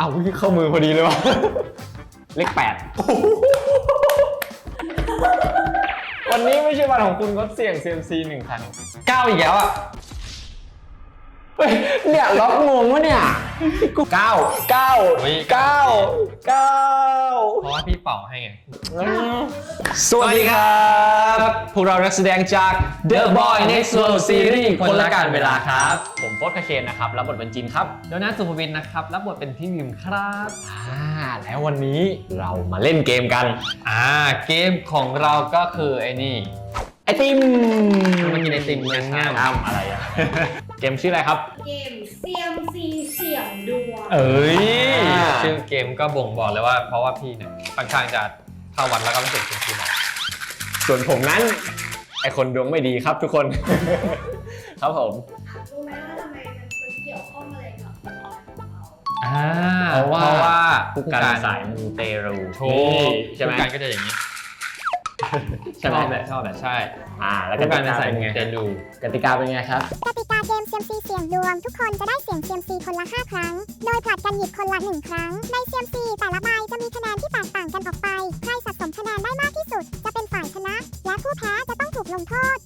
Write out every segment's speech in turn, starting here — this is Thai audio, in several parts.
าวเข้ามือพอดีเลยวะเลข 8วันนี้ไม่ใช่วันของคุณงดเสี่ยง CMC 1 ครั้ง9อีกแล้วอ่ะเนี่ยล็อกงงวะเนี่ย9 เพราะว่าพี่เป่าให้ไงสวัสดีครับพวกเรานักแสดงจาก The Boy Next World Series คนละการเวลาครับผมโฟร์คาเคนนะครับรับบทเป็นจินครับโดนัทสุภวินนะครับรับบทเป็นพี่วิมครับแล้ววันนี้เรามาเล่นเกมกันเกมของเราก็คือไอ้นี่ไอติมมากินไอติมง่ายๆอะไรอะเกมชื่ออะไรครับเกม CMC เสี่ยงดวงชื่อเกมก็บ่งบอกเลยว่าเพราะว่าพี่เนี่ยค่อนข้างจะเข้าวัดแล้วก็ไม่เสร็จจริงๆส่วนผมนั้นไอคนดวงไม่ดีครับทุกคนครับผมรู้ไหมว่าทำไมมันเกี่ยวข้องอะไรกับเพราะว่าผู้การสายมูเตรูใช่ไหมผู้การก็จะอย่างนี้ใช่ไหมชอบใช่แล้วก็การเป็นสายมูเตรูกติกาเป็นไงครับกติกาเกม CMC เสี่ยงดวงทุกคนจะได้เสี่ยง CMC คนละ5 ครั้งโดยผลัดกันหยิบคนละ1 ครั้งใน CMC แต่ละใบจะมีคะแนนที่แตกต่างกันออกไปใครสะสมคะแนนได้มากที่สุดจะเป็นฝ่ายชนะและผู้แพ้จะต้องถูกลงโทษ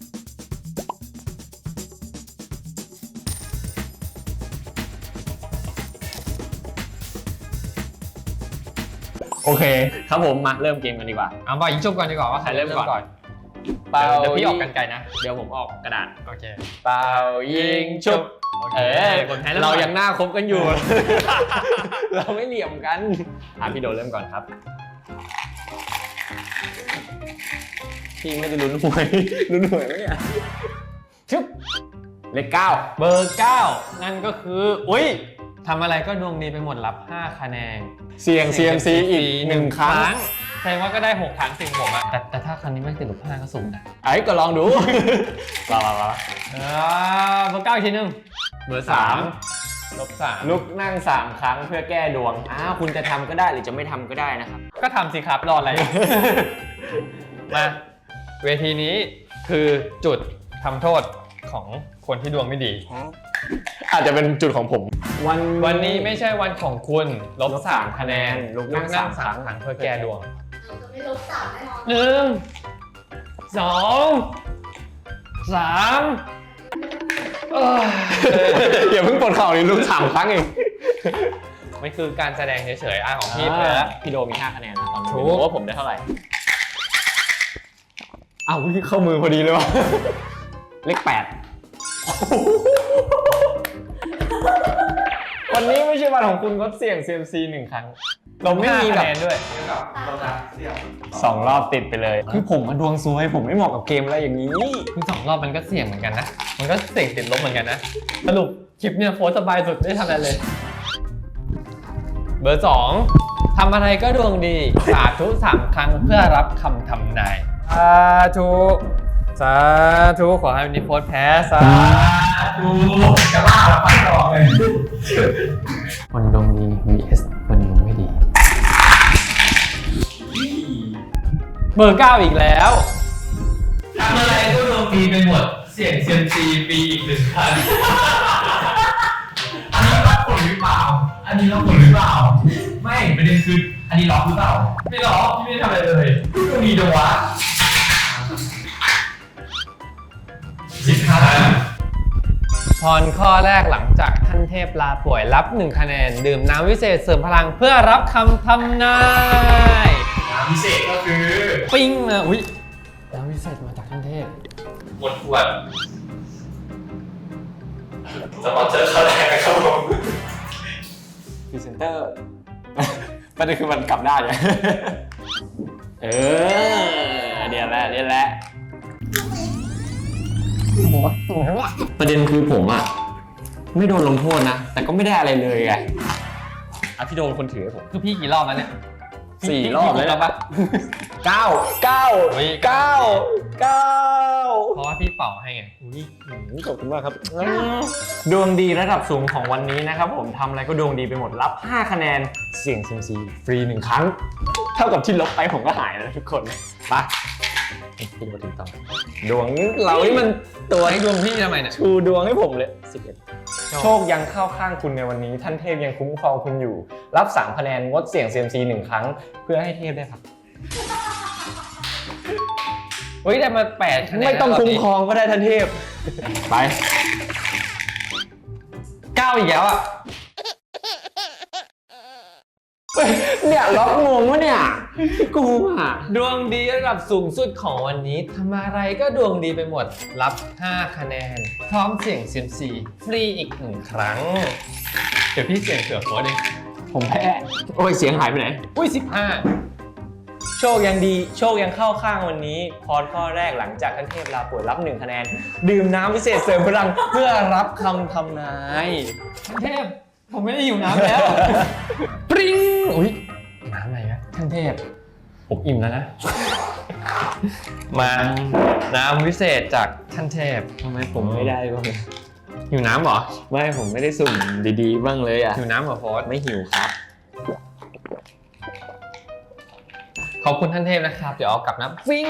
โอเคครับผมมาเริ่มเกมกันดีกว่าเอาบ่ยิงชุบก่อนดีกว่าว่าใครเริ่มก่อนเดี๋ยวพี่ออกกันไกลนะเดี๋ยวผมออกกระดาษโอเคเป่ายิงชุบเรายังหน้าคบกันอยู่เราไม่เหลี่ยมกันพี่โดเริ่มก่อนครับพี่ไม่ได้ลุ้นหวยไหมเนี่ยชุบเลข9 เบอร์9นั่นก็คือทำอะไรก็ดวงดีไปหมดรับ5 คะแนนเสี่ยง CMC อีก1 ครั้งแสดงว่าก็ได้6 ครั้งสิ่งผมอะแต่ถ้าครั้งนี้ไม่ติดลบ5ก็สูงนะก็ลองดูเบอร์9อีกทีนึงเบอร์3 ลบ3 ลุกนั่ง3 ครั้งเพื่อแก้ดวงคุณจะทำก็ได้หรือจะไม่ทำก็ได้นะครับก็ทำสิครับรออะไรมาเวทีนี้คือจุดทำโทษของคนที่ดวงไม่ดีอาจจะเป็นจุดของผมวันนี้ไม่ใช่วันของคุณลบ3 คะแนนลุกนั่ง3 ครั้งเพื่อแก้ดวงจะไม่ลบ3แน่นอน 1 2 3 อย่าเพิ่งปวดเข่าเลยลุก3 ครั้งเองไม่คือการแสดงเฉยๆของพี่เลยพี่โดมี5 คะแนนนะตอนนี้รู้ว่าผมได้เท่าไหร่เข้ามือพอดีเลยวะเลข 8วันนี้ไม่ใช่วันของคุณงดเสี่ยง CMC 1 ครั้งเราไม่มีคะแนนด้วย2 รอบติดไปเลยคือผมมาดวงซวยผมไม่เหมาะกับเกมอะไรอย่างนี้คือ2 รอบมันก็เสี่ยงเหมือนกันนะมันก็เสี่ยงติดลบเหมือนกันนะสรุปคลิปเนี่ยโฟสสบายสุดไม่ทำอะไรเลยเบอร์2ทำอะไรก็ดวงดีสาธุ3 ครั้งเพื่อรับคำทำนายสาธุขอให้วันนี้โพสแพ้สาธุจะบ้าแล้วไปต่อเลยคนดวงดี vs คนดวงไม่ดีเบอร์9อีกแล้วทำอะไรก็ดวงดีไปหมดเสี่ยง CMC ปีอีก1 ครั้งอันนี้ล็อกผลหรือเปล่าไม่ประเด็นคืออันนี้ล็อกหรือเปล่าไม่ล็อกพี่ไม่ทำอะไรเลยดวงดีจังวะพรข้อแรกหลังจากท่านเทพลาป่วยรับ1 คะแนนดื่มน้ำวิเศษเสริมพลังเพื่อรับคำทำนายน้ำวิเศษก็คือปิ้งมาน้ำวิเศษมาจากท่านเทพหมดขวดสปอนเซอร์เข้าแรกนะครับผมพรีเซนเตอร์ประเด็นคือมันกลับได้เนี่ยเดี๋ยวแหละประเด็นคือผมไม่โดนลงโทษนะแต่ก็ไม่ได้อะไรเลยไงพี่โดนคนถือให้ผมคือพี่กี่รอบแล้วเนี่ย 4 รอบแล้วปะ9 เพราะว่าพี่เป่าให้ไงขอบคุณมากครับดวงดีระดับสูงของวันนี้นะครับผมทำอะไรก็ดวงดีไปหมดรับ5 คะแนนเสี่ยง CMC ฟรี1 ครั้งเท่ากับที่ลบไปผมก็หายแล้วทุกคนไปพี่มาถึงต่อดวงเรานี่มันตัวให้ดวงพี่ทำไมเนี่ยชูดวงให้ผมเลย11 โชคยังเข้าข้างคุณในวันนี้ท่านเทพยังคุ้มครองคุณอยู่ รับ3คะแนนงดเสี่ยง CMC 1 ครั้ง เพื่อให้เทพได้พักเฮ้ยได้มา8คะแนนไม่ต้องคุ้มครองก็ได้ท่านเทพ ไป 9อีกแล้วอ่ะเนี่ยล็อกงงวะเนี่ยกูอ่ะดวงดีระดับสูงสุดของวันนี้ทำอะไรก็ดวงดีไปหมด รับ5คะแนน พร้อมเสี่ยง CMC ฟรีอีก1ครั้ง เดี๋ยวพี่เสี่ยงเสือโค้ดเองผมแพ้ โอ้ยเสียงหายไปไหนอุ้ยโชคยังดี โชคยังเข้าข้างวันนี้ พรข้อแรกหลังจากท่านเทพลาป่วยรับ1คะแนน ดื่มน้ำพิเศษเสริมพลังเพื่อรับคำทำนาย 15ท่านเทพผมไม่ได้หิวน้ำแล้ว ปริ้งอุ้ยน้ำอะไรนะท่านเทพผมอิ่มแล้วนะ มาน้ำวิเศษจากท่านเทพทำไมผมไม่ได้บ้างหิวน้ำเหรอไม่ผมไม่ได้สุ่มดีๆบ้างเลยอ่ะหิวน้ำเหรอโฟสไม่หิวครับขอบคุณท่านเทพนะครับ เดี๋ยวเอากลับน้ำฟิ้ง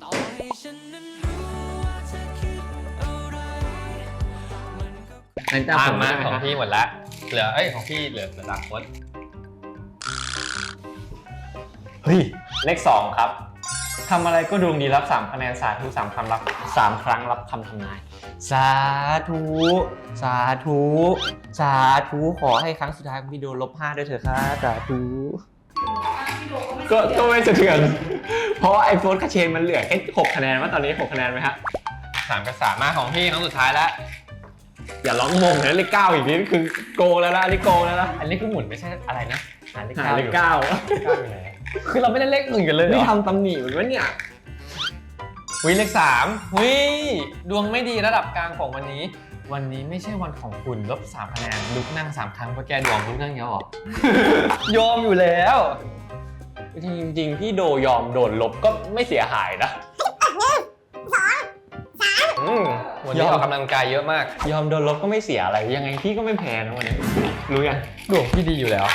ในตาผมมาได้ไหมของครับพี่หมดละเหลือของพี่เหลือดาร์คโค้ดเฮ้ย เลข2ครับทำอะไรก็ดวงดีรับ3คะแนนสาธุ3คำรับ3ครั้งรับคำทำนาย สาธุสาธุสาธุขอให้ครั้งสุดท้ายของพี่โดน-5ด้วยเถอะครับสาธุ ก็ไม่สะเทือน เพราะไอโฟนคาเชนมันเหลือแค่6คะแนนว่าตอนนี้6คะแนนไหมฮะ 3กับ3มาของพี่ครั้งสุดท้ายแล้วอย่าร้องมงนะเลข9อีกนิดคือโกงแล้วนะอันนี้โกงแล้วนะอันนี้คือหมุนไม่ใช่อะไรนะหาเลขหาเก้าเลอขยู่ 9 เก้าอยู่ไหนคือเราไม่ได้เลข1กันเลยเหรนี่อทำตำหนิเหมือนวะเนี่ยวิเลข3วิดวงไม่ดีระดับกลางของวันนี้ วันนี้ไม่ใช่วันของคุณลบ3คะแนนลุกนั่ง3ครั้งเพื่อแก้ดวงลุกนั่งเยอะหรอ ยอมอยู่แล้วจริงๆพี่โดยอมโดนลบก็ไม่เสียหายนะวันนี้ออกกำลังกายเยอะมากยอมโดนลบก็ไม่เสียอะไรยังไงพี่ก็ไม่แพ้นะวันนี้รู้ยังดวงพี่ดีอยู่แล้ว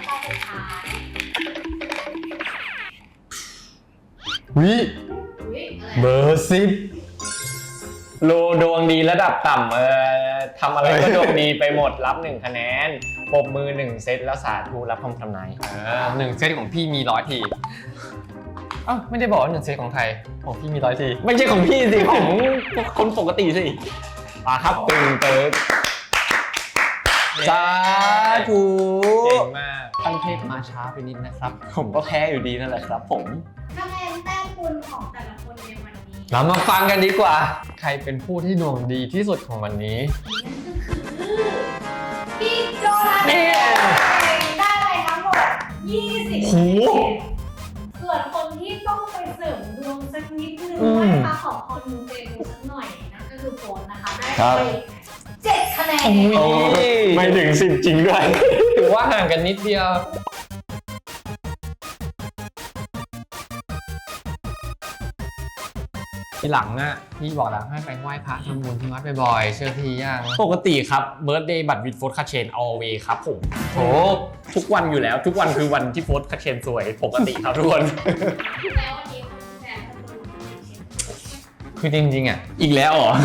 วิอุ๊ยอะไรเบอร์10โลดวงดีระดับต่ำทำอะไรก็ดวงดีไปหมดรับ1คะแนนปรบมือ1เซตแล้วสาธุรับคำทำนาย 1เซตของพี่มี100 ทีอ้าวไม่ได้บอกว่า1เซตของใครของพี่มี100 ทีไม่ใช่ของพี่สิ ของคนปกติสิมาครับตึงเติร์ดสาธุเก่งมากท่านเทพมาช้าไปนิดนะครับ ผมก็แพ้อยู่ดีนั่นแหละครับผมคะแนนแต้มคุณของแต่ละคนในวันนี้เรามาฟังกันดีกว่า ใครเป็นผู้ที่ดวงดีที่สุดของวันนี้พี่โจนาธานได้ไปทั้งหมด20 โหส่วนคนที่ต้องไปเสริมดวงสักนิดนึงนะคะขอคอนมูเตลูสักหน่อยนะก็คือโฟนนะคะได้ไป7คะแนนโอ้ยไม่ถึง10จริงด้วยถือว่าห่างกันนิดเดียว ทีหลังอ่ะพี่บอกแล้วให้ไปไหว้พระทำบุญที่วัดบ่อยๆเชื่อพี่ยังปกติครับเบิร์ d เดย์บัตรวิดโฟร์คาเชน always ครับผมโอ้ทุกวันอยู่แล้ว ทุกวันคือวันที่โฟร์คาเชนสวยปกติครับทุกคนแล้ววันนี้คุณแฟนคุณคือจริงๆอ่ะอีกแล้วเหรอ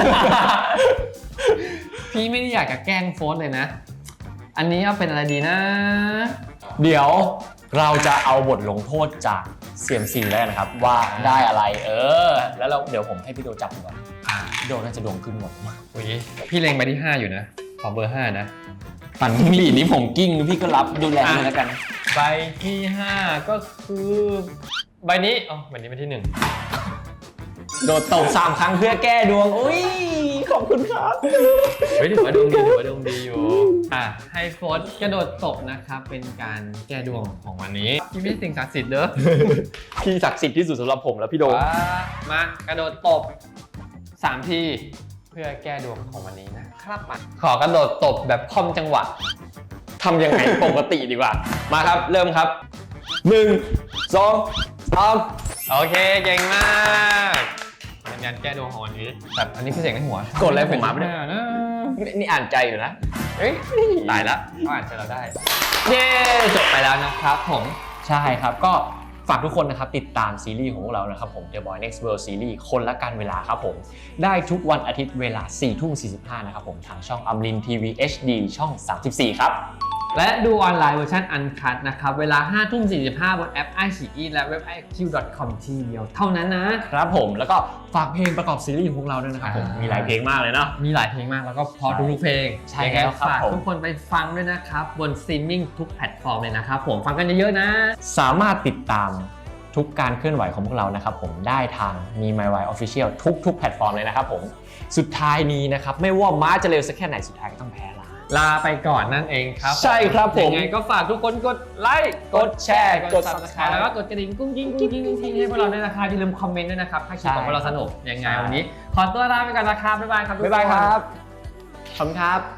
พี่ไม่ได้อยากจะแกล้งโฟสเลยนะ อันนี้เอาเป็นอะไรดีนะเดี๋ยวเราจะเอาบทลงโทษจาก CMC แล้วนะครับ ว่าได้อะไรแล้วเดี๋ยวผมให้พี่โดจับก่อนพี่โดน่าจะดวงขึ้นหมดอุ้ยพี่เล็งไปที่ 5 อยู่นะ ขอเบอร์ 5 นะปั่นจิ้งหรีดนี้ผมกิ้งพี่ก็รับดูแลด้วยแล้วกันใบที่ 5 ก็คือใบนี้อ๋อใบนี้เป็นที่ 1 โดดตบ3 ครั้งเพื่อแก้ดวงอุ้ยขอบคุณครับเฮ้ยถือว่าดวงดีถือว่าดวงดีอยู่ ให้โฟสกระโดดตบนะครับเป็นการแก้ดวงของวันนี้พี่ไม่ใช่สิ่งศักดิ์สิทธิ์เด้อพี่ศักดิ์สิทธิ์ที่สุดสำหรับผมแล้วพี่โดมากระโดดตบ3 ทีเพื่อแก้ดวงของวันนี้นะครับมาขอกระโดดตบแบบคล่อมจังหวะทำยังไงปกติดีกว่า มาครับเริ่มครับ 1 2 3 โอเคเก่งมากเป็นการแก้ดวงของวันนี้แบบอันนี้คือเสียงในหัวกดอะไรผมมาไม่ได้นะนี่อ่านใจอยู่นะเฮ้ยตายละเขาอ่านใจเราได้ เย้จบไปแล้วนะครับผมใช่ครับก็ฝากทุกคนนะครับติดตามซีรีส์ของพวกเรานะครับผม The Boy Next World Series คนละการเวลาครับผมได้ทุกวันอาทิตย์เวลา 4:45 นะครับผมทางช่องอมรินทีวี HD ช่อง 34 ครับและดูออนไลน์เวอร์ชันอันคัทนะครับเวลา 5:45 บนแอป iQIYI และเว็บ iq.com ที่เดียวเท่านั้นนะครับผมแล้วก็ฝากเพลงประกอบซีรีส์ของพวกเราด้วยนะครับผมมีหลายเพลงมากเลยเนาะมีหลายเพลงมากแล้วก็เพอทุกเพลงใช่ยังไงแล้วครับฝากผมทุกคนไปฟังด้วยนะครับบนสตรีมมิ่งทุกแพลตฟอร์มเลยนะครับผมฟังกันเยอะๆนะสามารถติดตามทุกการเคลื่อนไหวของพวกเรานะครับผมได้ทางมี My Way Official ทุกแพลตฟอร์มเลยนะครับผมสุดท้ายนี้นะครับไม่ว่าม้าจะเร็วสักแค่ไหนสุดท้ายก็ต้องแพ้ลาไปก่อนนั่นเองครับใช่ครับผมยังไงก็ฝากทุกคนกดไลค์กดแชร์กด Subscribe แล้วก็กดกระดิ่งกุ้งกิ้งให้พวกเราด้วยนะครับอย่าลืมคอมเมนต์ด้วยนะครับถ้าคลิปของพวกเราสนุกยังไงวันนี้ ขอตัวลาไปก่อนนะครับบ๊ายบายครับทุกคนบ๊ายบายครับขอบคุณครับ